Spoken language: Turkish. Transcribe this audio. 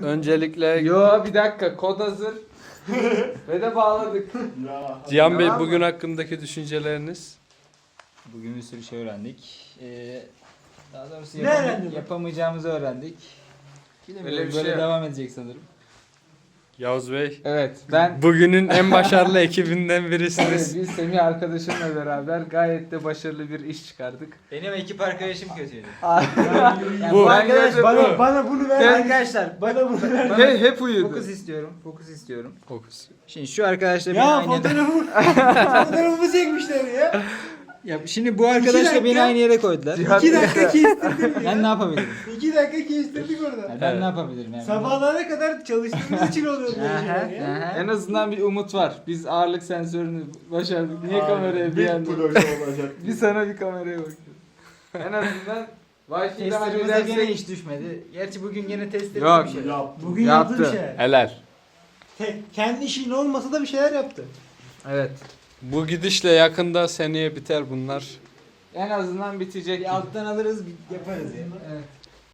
Öncelikle Yo bir dakika, kod hazır. Ve de bağladık. Cihan Bey Tamam mı? bugün hakkındaki düşünceleriniz. Bugün bir sürü şey öğrendik. Daha doğrusu Ne öğrendin? yapamayacağımızı öğrendik. Öyle Bilemiyorum, bir böyle şey yok. devam edecek sanırım. Yavuz Bey Evet ben bugünün en başarılı ekibinden evet, birisiniz. biz Semih arkadaşımla beraber gayet de başarılı bir iş çıkardık. Benim ekip arkadaşım kötüydü. Yani Bu- bu arkadaş Ben bana bunu ver. Arkadaşlar Bana bunu ver. Hep uyudu. fokus istiyorum. Fokus. Şimdi şu arkadaşla beni Ya aynı yere... fotoğrafımı çekmişler ya. Ya şimdi bu arkadaşla beni dakika. aynı yere koydular. Cihan- 2 dakika kestirdim ya. Ben ne yapabilirim? 2 dakika kestirdik orada. Yani ben ne yapabilirim yani? Sabahlara kadar çalıştığımız için oluyor böyle şeyler ya. En azından bir umut var. Biz ağırlık sensörünü başardık. Niye kameraya bir anda? Bir sana bir kameraya bakıyorum. En azından Wi-Fi'de Testlerimize gene halledersek. hiç düşmedi. Gerçi bugün gene testlerimiz Yok. bir şey. Bugün Yaptı. yaptı bir şeyler. Helal. Kendi işin olmasa da bir şeyler yaptı. Evet. Bu gidişle yakında seneye biter bunlar. En azından bitecek. Bir alttan alırız yaparız ya. Evet.